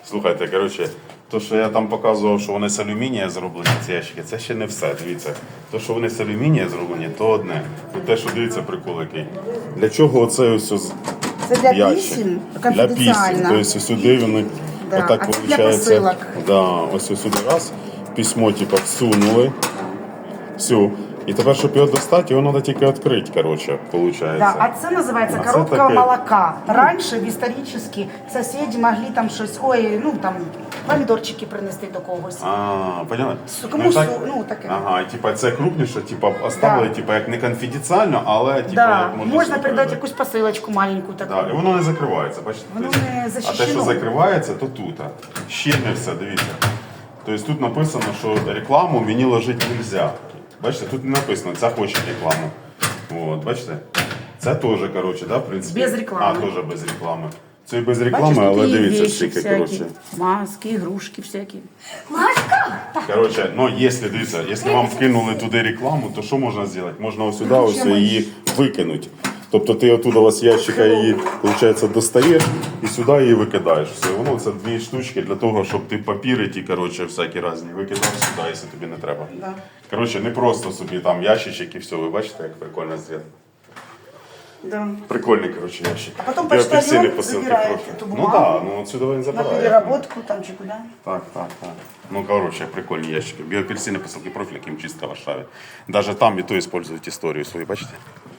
Слухайте, коротше, то, що я там показував, що вони з алюмінія зроблені, ці ящики, це ще не все, дивіться. То, що вони з алюмінія зроблені, то одне. І те, що дивіться, прикол який. Для чого оце ось Це для ящик? писем, Для писем. конфіденціально. Тобто сюди вони Да, отак а це для виходить. посилок. Да, ось сюди раз, письмо типу всунули. Все. І тепер, щоб його достати, його треба тільки відкрити, коротше, виходить. Да, а це називається А це коробка таке. молока. Раніше, історично, сусіди могли там щось, там, помідорчики принести до когось. Поняли? Кому таке. Ага, і типа це крупніше, типа оставили, Да. типа як не конфіденціально, але типа Да, як можна сюди передати передати. якусь посилочку маленьку таку. Да, і воно не закривається, бачите? Воно Тобто, не а те, що защищено. закривається, то тут. Ще не все, дивіться. Тобто тут написано, що рекламу мені ложити не можна. Бачите, тут не написано, це хоче рекламу. От, бачите? Це теж, коротше, да, в принципі. Без реклами. Теж без реклами. Це і без реклами, Бачиш, тут але і дивіться, вещи скільки, всякі, коротше. маски, ігрушки всякі. Короче, ну если, дивіться, якщо вам вкинули туди рекламу, то що можна зробити? Можна ось сюди ось її викинути. Тобто ти оттуда ось з ящика її, виходить, достаєш і сюди її викидаєш. Все, воно це дві штучки для того, щоб ти папіри ті, короче, всякі різні викидав сюди, якщо тобі не треба. Да. Короче, не просто собі там ящичок і все, ви бачите, як прикольно зроблено. Да. Прикольний, короче, ящик. А потом Біопексини, почтальон посилки, забирає профіль. эту Ну бумагу. так, ну отсюда він На забирає. переработку там чи куди. Так. Ну, короче, прикольні ящики. Біоапельсини, посилки профіль, яким чисто в Варшаві. Даже там і то использують історію свою, бачите?